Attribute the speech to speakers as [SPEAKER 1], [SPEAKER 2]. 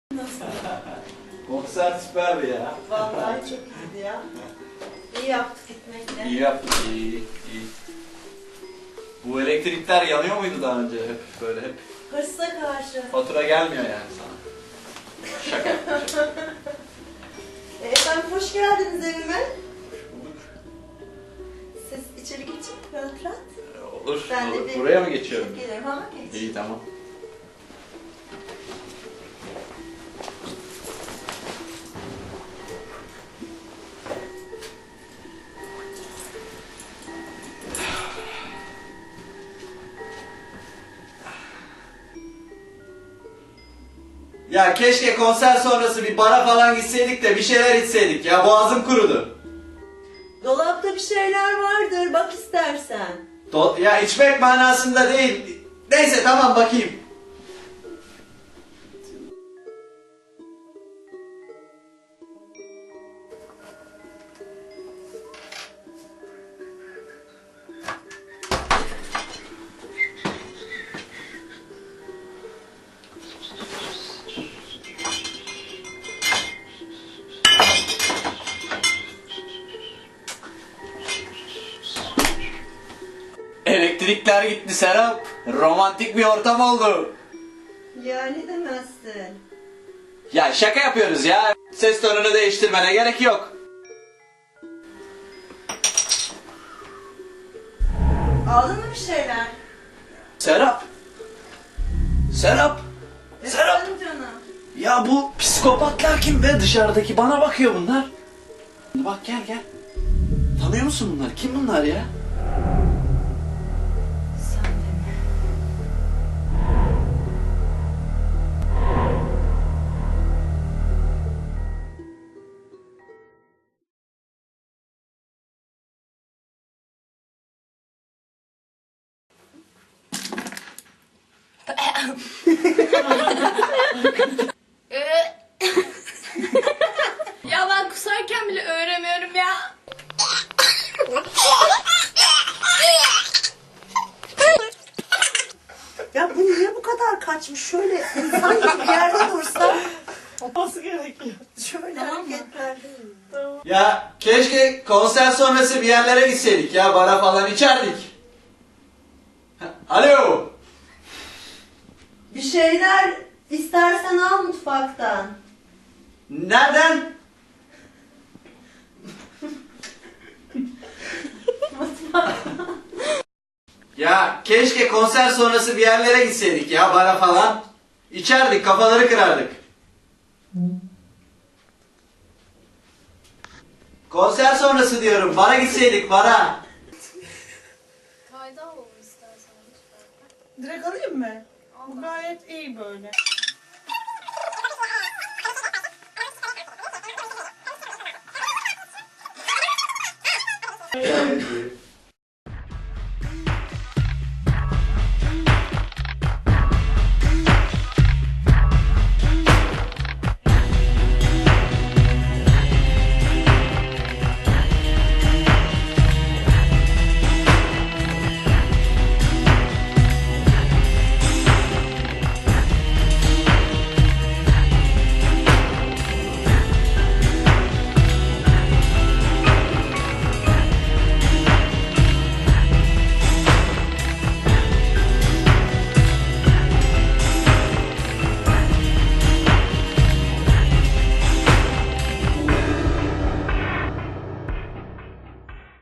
[SPEAKER 1] Nasıl?
[SPEAKER 2] Konser süperdi ya.
[SPEAKER 1] Vallahi çok iyiydi ya. İyi yaptık gitmekle.
[SPEAKER 2] İyi yaptık, iyi. Bu elektrikler yanıyor muydu daha önce hep böyle hep?
[SPEAKER 1] Hırsla karşı.
[SPEAKER 2] Fatura gelmiyor yani sana. Şaka yapacağım.
[SPEAKER 1] Efendim hoş geldiniz evime.
[SPEAKER 2] Bulduk.
[SPEAKER 1] Siz içeri geçin rahat rahat.
[SPEAKER 2] Olur.
[SPEAKER 1] Ben de
[SPEAKER 2] Olur.
[SPEAKER 1] bir-
[SPEAKER 2] Buraya mı geçiyorum?
[SPEAKER 1] Gelirim ama geç.
[SPEAKER 2] İyi tamam. Ya keşke konser sonrası bir bara falan gitseydik de bir şeyler içseydik ya, boğazım kurudu.
[SPEAKER 1] Dolapta bir şeyler vardır bak istersen.
[SPEAKER 2] Ya içmek manasında değil. Neyse tamam bakayım. Elektrikler gitti Serap. Romantik bir ortam oldu.
[SPEAKER 1] Yani demezsin.
[SPEAKER 2] Ya şaka yapıyoruz ya. Ses tonunu değiştirmene gerek yok.
[SPEAKER 1] Aldın mı bir şeyler?
[SPEAKER 2] Serap. Serap. Serap.
[SPEAKER 1] Efendim canım.
[SPEAKER 2] Ya bu psikopatlar kim be, dışarıdaki bana bakıyor bunlar. Bak gel gel. Tanıyor musun bunları? Kim bunlar ya?
[SPEAKER 1] Sen de mi?
[SPEAKER 3] Ya ben kusarken bile öğrenmiyorum ya.
[SPEAKER 1] Ya bu niye bu kadar kaçmış? Şöyle insan gibi bir yerde dursa.
[SPEAKER 4] Olması gerekiyor.
[SPEAKER 1] Şöyle hareketler.
[SPEAKER 2] Ya keşke konser sonrası bir yerlere gitseydik ya, bara falan içerdik. Alo.
[SPEAKER 1] Bir şeyler istersen al mutfaktan.
[SPEAKER 2] Nereden? Ya keşke konser sonrası bir yerlere gitseydik ya, bara falan. İçerdik, kafaları kırardık. Konser sonrası diyorum, bara gitseydik, bara.
[SPEAKER 3] Kayda alalım istersen lütfen.
[SPEAKER 4] Direkt alayım mı? Bu gayet iyi böyle.